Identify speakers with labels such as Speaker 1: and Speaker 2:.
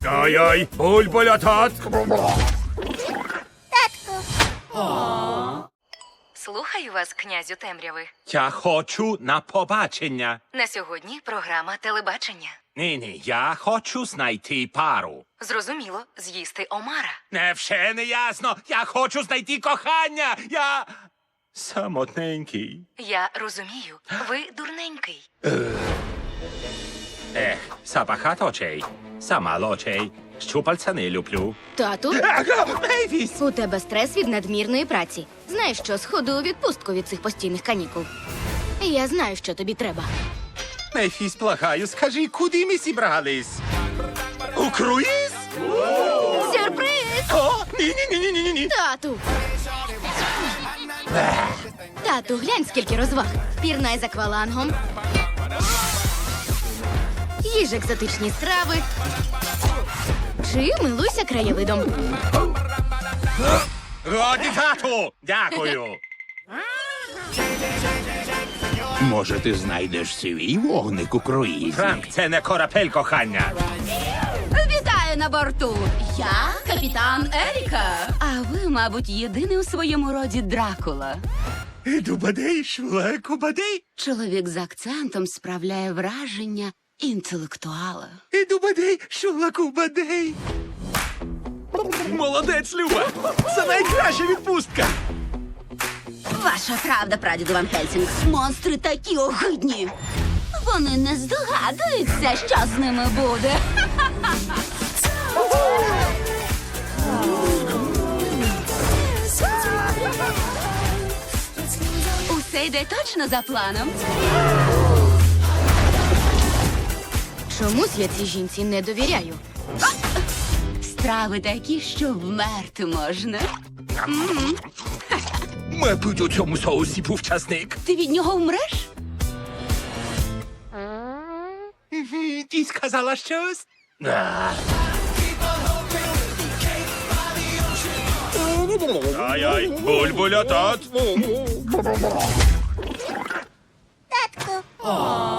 Speaker 1: Ой-ой, бульбуля тат.
Speaker 2: Слухаю вас, князю темряви.
Speaker 1: Я хочу на побачення.
Speaker 2: На сьогодні програма телебачення.
Speaker 1: Ні, я хочу знайти пару.
Speaker 2: Зрозуміло, з'їсти омара.
Speaker 1: Невже не ясно? Я хочу знайти кохання. Я самотненький.
Speaker 2: Я розумію, ви дурненький.
Speaker 1: Забагато очей, замало очей. Щупальця не люблю.
Speaker 3: Тату,
Speaker 1: Мейвіс!
Speaker 3: у тебе стрес від надмірної праці. Знаєш що, сходи у відпустку від цих постійних канікул. Я знаю, що тобі треба.
Speaker 1: Мейфіс, благаю, скажи, куди ми зібрались? У круїз?
Speaker 3: Сюрприз!
Speaker 1: О, ні.
Speaker 3: Тату! Тату, глянь, скільки розваг. Пірнай з аквалангом. Їж екзотичні страви. Чи милуйся краєвидом.
Speaker 1: Годі, тату! Дякую.
Speaker 4: Може, ти знайдеш свій вогник у круїзі?
Speaker 1: Франк, це не корабель кохання.
Speaker 5: Вітаю на борту! Я капітан Еріка. А ви, мабуть, єдиний у своєму роді Дракула.
Speaker 1: Дубадей, швлеку бадей.
Speaker 5: Чоловік з акцентом справляє враження інтелектуала.
Speaker 1: Дубадей, швлеку бадей. Молодець, Люба! Це найкраща відпустка!
Speaker 5: Ваша правда, прадіду Ван Хельсінг. Монстри такі огидні. Вони не здогадуються, що з ними буде. Усе йде точно за планом.
Speaker 3: Чомусь я цій жінці не довіряю.
Speaker 5: Страви такі, що вмерти можна.
Speaker 1: Мабуть, у цьому соусі був часник.
Speaker 5: Ти від нього вмреш?
Speaker 1: Ти сказала щось? Ай-ай, бульбуля тат.
Speaker 6: Татку.